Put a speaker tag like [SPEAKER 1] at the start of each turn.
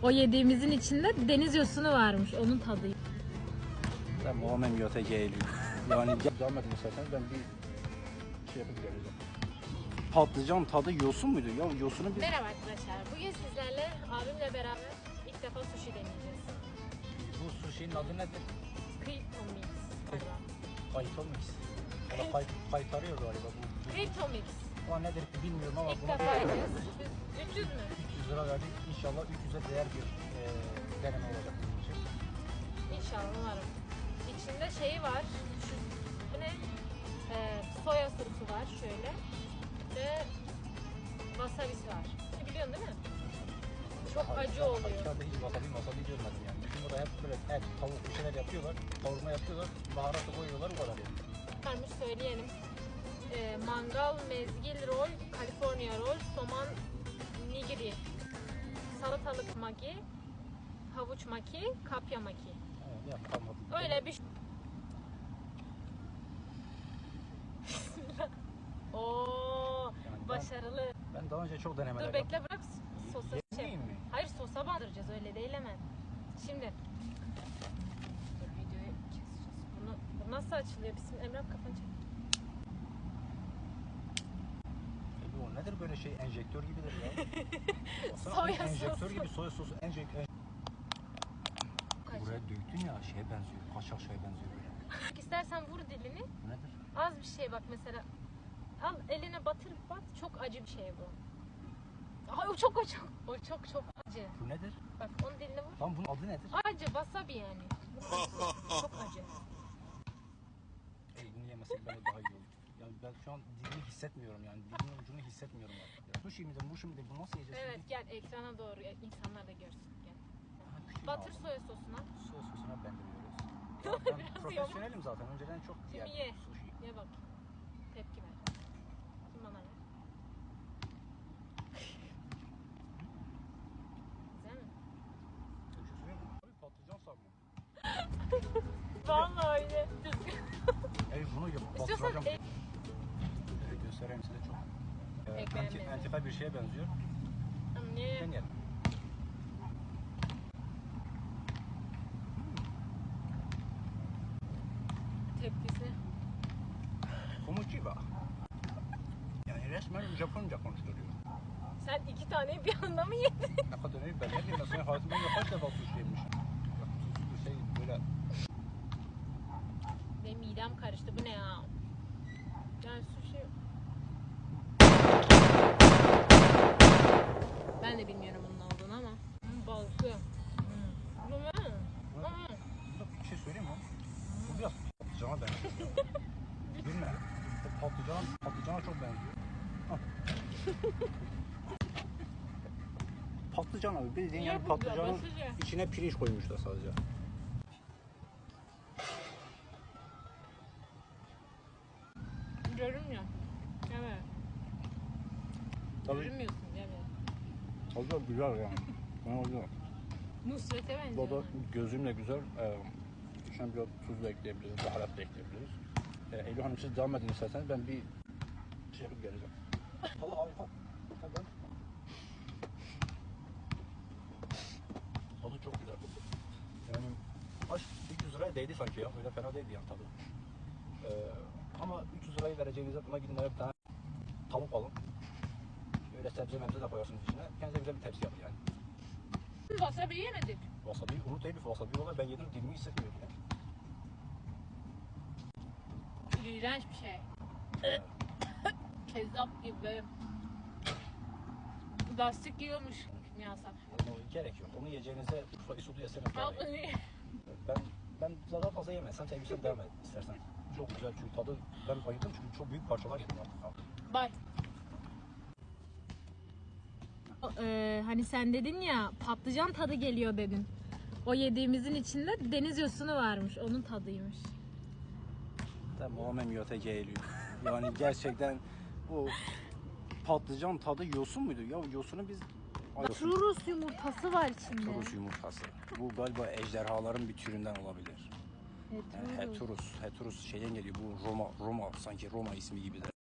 [SPEAKER 1] O yediğimizin içinde deniz yosunu varmış. Onun tadı.
[SPEAKER 2] Tamamen YTG eğiliyor. Yani devam edin isterseniz ben bir şey yapıp geleceğim. Patlıcan tadı yosun muydu? Ya yosunu biz...
[SPEAKER 1] Merhaba arkadaşlar. Bugün sizlerle abimle beraber ilk defa sushi deneyeceğiz.
[SPEAKER 2] Bu sushi'nin adı nedir?
[SPEAKER 1] Kripto Mix galiba.
[SPEAKER 2] Kayto mix. Kaytarıyor galiba bu.
[SPEAKER 1] Kripto Mix.
[SPEAKER 2] Ama nedir bilmiyorum ama
[SPEAKER 1] İlk
[SPEAKER 2] buna
[SPEAKER 1] defa yiyeceğiz. 300 mü?
[SPEAKER 2] 300 lira verdik. İnşallah 300'e değer bir deneme olacak bizim için.
[SPEAKER 1] İnşallah umarım. İçinde şeyi var. Bu ne? Soya sosu var şöyle. Ve wasabisi var. Biliyorsun değil mi? Çok acı oluyor.
[SPEAKER 2] Dışarıda hiç wasabi görmedim yani. Bizim burada hep böyle et, tavuk bir şeyler yapıyorlar. Kavurma yapıyorlar. Baharatı koyuyorlar o kadar yani.
[SPEAKER 1] Varmış söyleyelim. Mangal, mezgil rol, California rol, soman nigiri, salatalık maki, havuç maki, kapya maki.
[SPEAKER 2] Evet, kalmadı.
[SPEAKER 1] Öyle bir Oo,
[SPEAKER 2] Yani
[SPEAKER 1] başarılı.
[SPEAKER 2] ben daha önce çok denemeler
[SPEAKER 1] Dur bekle bırak sosa
[SPEAKER 2] Yemeyeyim mi?
[SPEAKER 1] Hayır sosa bandıracağız öyle değil hemen. Şimdi dur videoyu keseceğiz. Bu nasıl açılıyor? Bizim Emrah kafanı çek.
[SPEAKER 2] Bu nedir böyle şey enjektör gibidir ya.
[SPEAKER 1] Soya
[SPEAKER 2] enjektör
[SPEAKER 1] sosu.
[SPEAKER 2] gibi soya sosu enjektör. Buraya döktün ya şeye benziyor. Kaşar şeye benziyor böyle.
[SPEAKER 1] İstersen vur dilini.
[SPEAKER 2] Bu nedir?
[SPEAKER 1] Az bir şey bak mesela. Al eline batır bat. Çok acı bir şey bu. Ay o çok acı. O çok acı.
[SPEAKER 2] Bu nedir?
[SPEAKER 1] Bak onun diline vur.
[SPEAKER 2] Lan bunun adı nedir?
[SPEAKER 1] Acı wasabi yani. Çok acı.
[SPEAKER 2] Bunu yemesek böyle daha iyi olur. Yani ben şu an dilimi hissetmiyorum yani. Dilimin ucunu hissetmiyorum artık. Sushi midir, mushi midir? Bu nasıl yiyeceğiz
[SPEAKER 1] Evet
[SPEAKER 2] şimdi?
[SPEAKER 1] gel ekrana doğru insanlar da görsün. Gel.
[SPEAKER 2] Küçüğünü
[SPEAKER 1] Batır
[SPEAKER 2] aldım.
[SPEAKER 1] soya sosuna.
[SPEAKER 2] Soya sosuna bendiriyoruz. Ya ben profesyonelim zaten. Önceden çok
[SPEAKER 1] Şimdi
[SPEAKER 2] yerdim
[SPEAKER 1] ye.
[SPEAKER 2] sushi.
[SPEAKER 1] Ye bak. Tepki ver. Şimdi bana ver. Güzel mi?
[SPEAKER 2] Bir şey söyleyeyim mi? Abi patlıcan sarma.
[SPEAKER 1] Vallahi öyle.
[SPEAKER 2] Bunu
[SPEAKER 1] İstiyorsan
[SPEAKER 2] bastıracağım. Evet, göstereyim size çok.
[SPEAKER 1] Ekmeğe benziyor.
[SPEAKER 2] Antifa bir şeye benziyor.
[SPEAKER 1] Niye?
[SPEAKER 2] Deneyelim.
[SPEAKER 1] Tepkisi.
[SPEAKER 2] Komuchiba. Yani resmen Japonca konuşturuyor.
[SPEAKER 1] Sen iki taneyi bir anda mı yedin?
[SPEAKER 2] Ne kadar iyi ben ne diyeyim ben senin hayatımda kaç defa sushi yemişim. Tuzlu bir şey böyle.
[SPEAKER 1] Benim midem karıştı. Bu ne ya? Yani sushi... Ben de bilmiyorum bunun olduğunu ama. Balıklı. Bu ne?
[SPEAKER 2] Bir şey söyleyeyim mi? Bu biraz patlıcana benziyor. Bilme. Patlıcana çok benziyor. Patlıcan abi bildiğin yani patlıcanın içine pirinç koymuşlar sadece.
[SPEAKER 1] Görünmüyor. Evet.
[SPEAKER 2] Tabii.
[SPEAKER 1] Görünmüyorsun evet.
[SPEAKER 2] Tadı güzel yani. Ben güzel.
[SPEAKER 1] Nusret'e benziyor.
[SPEAKER 2] Bu da gözümle güzel. İçine biraz tuz da ekleyebiliriz, baharat da ekleyebiliriz. Eylül Hanım siz devam edin isterseniz ben bir şey yapıp geleceğim. Tadı harika. Tadı çok güzel. Yani aş 300 liraya değdi sanki ya. Öyle fena değildi yani tadı. Ama 300 lirayı vereceğinize buna gidin bir tane tavuk alın. Öyle sebze mebze de koyarsınız içine. Kendinize güzel bir tepsi yapın yani.
[SPEAKER 1] Wasabi yemedik.
[SPEAKER 2] Wasabi, unut Elif wasabi valla ben yedim dilimi hissetmiyorum ya.
[SPEAKER 1] İğrenç bir şey. Kezzap gibi. Lastik yiyormuş kimyasal.
[SPEAKER 2] Gerek yok. Onu yiyeceğinize Urfa Isudu yesene. Ben daha fazla yemem. Sen sevgilisen devam et istersen. Çok güzel çünkü tadı ben bayıldım çünkü çok büyük parçalar yedim artık.
[SPEAKER 1] Bye. Hani sen dedin ya patlıcan tadı geliyor dedin. O yediğimizin içinde deniz yosunu varmış. Onun tadıymış.
[SPEAKER 2] Tamamen YTG eğiliyor. Yani gerçekten bu patlıcan tadı yosun muydu? Ya yosunu biz...
[SPEAKER 1] Turus yumurtası var içinde.
[SPEAKER 2] Heturus yumurtası. Bu galiba ejderhaların bir türünden olabilir. Yani Heturus şeyden geliyor. Bu Roma sanki Roma ismi gibidir.